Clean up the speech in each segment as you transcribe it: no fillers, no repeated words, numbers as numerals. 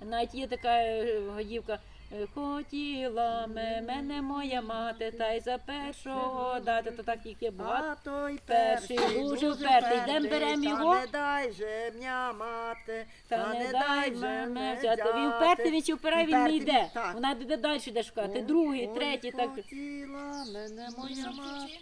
Навіть є така гаївка. Хотіла мене моя мати, та й за першого дати, то так їх є багато. А той Перший, дуже впертий. Йдемо, беремо його. Та не дай же м'я мати, Та не дай мене взяти. Він впертий, він чи впирає, він не йде. Так. Вона йде далі йде шукати. Другий, третій, так. Хотіла мене моя мати.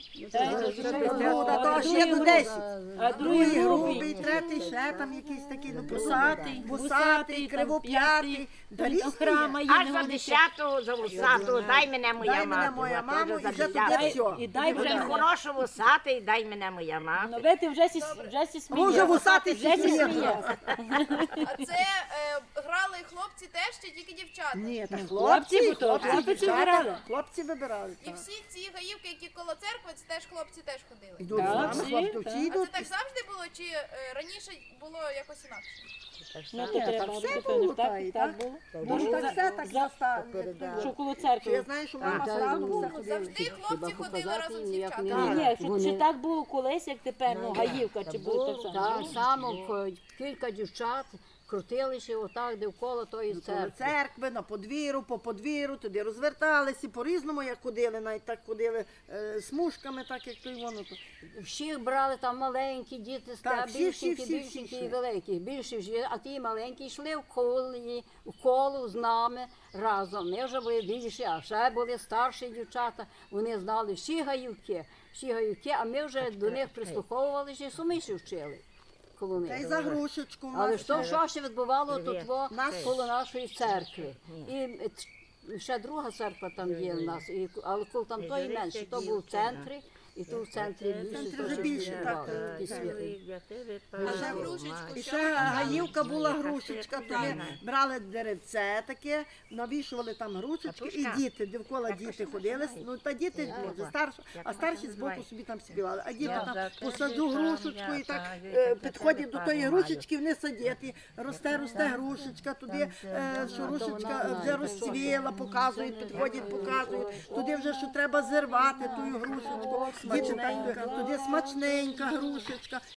А То ще до 10. А Другий другий грубий, грубий. третій ще там якийсь такий, ну, Вусатий, вусатий, кривоп'ятий. Да До різні храма є. є. Аж за 10-ту, за вусату, дай мене моя Дай мене мати. моя От, мама, теж за і вже 10-ту. тоді все. І дай Вже вже хорошо вусатий, дай мене моя Ну, мати. ви ти вже сі сміє. Може вусатий Вже сі сміє. сміє. А це грали хлопці теж чи тільки дівчата? Ні, та хлопці, бо то хлопці дівчата, вибирали. Хлопці вибирали. І так. всі ці гаївки, які коло церкви, це теж хлопці теж ходили. Йдуть Так, з нами, всі, хлопці, так. всі А це йдуть. так завжди було, чи раніше було якось інакше? Ну, то Ні, треба, так все напевно, було, так, та й так так. було. Може, так все так Що коло Я церкви. знаю, що мама зранку все ходила. Завжди хлопці ходили разом з Ні, дівчатами. ні, чи так було колись, як тепер, ну, гаївка, чи було так само? Так само кілька дівчат крутилися отак довкола тої Коло церкви. церкви, на подвір'ю, по подвір'ю, туди розверталися, по-різному як ходили, навіть так ходили смужками, так як той воно. Всіх брали там маленькі діти, Так, всі, більшенькі, всі, більшенькі всі. і великі. Більші ж, а ті маленькі йшли в коло з нами разом. Ми вже були більші, а ще були старші дівчата. Вони знали всі гаївки, а ми вже до них прислуховувалися і суміші вчили коло Та й них. за грушечку. в Але нас що ще відбувало тут Наш- коло нашої церкви. І ще друга церква там є в нас, але коло там тої менше, то був в центрі, і тут в центрі більше. центрі вже то, що більше, відбувало, так, ті світи. А ще грушечку. І ще гаївка була грушечка, то ми брали деревце таке, навішували там грушечки, і діти, довкола діти ходили, ну та діти, може, старші, а старші збоку собі там співали, а діти там посаджу грушечку і так підходять до тої грушечки, вони садять, і росте грушечка, туди, що грушечка вже розцвіла, показують, підходять, показують, туди вже, що треба зірвати ту грушечку, діти так, туди смачненька грушечка,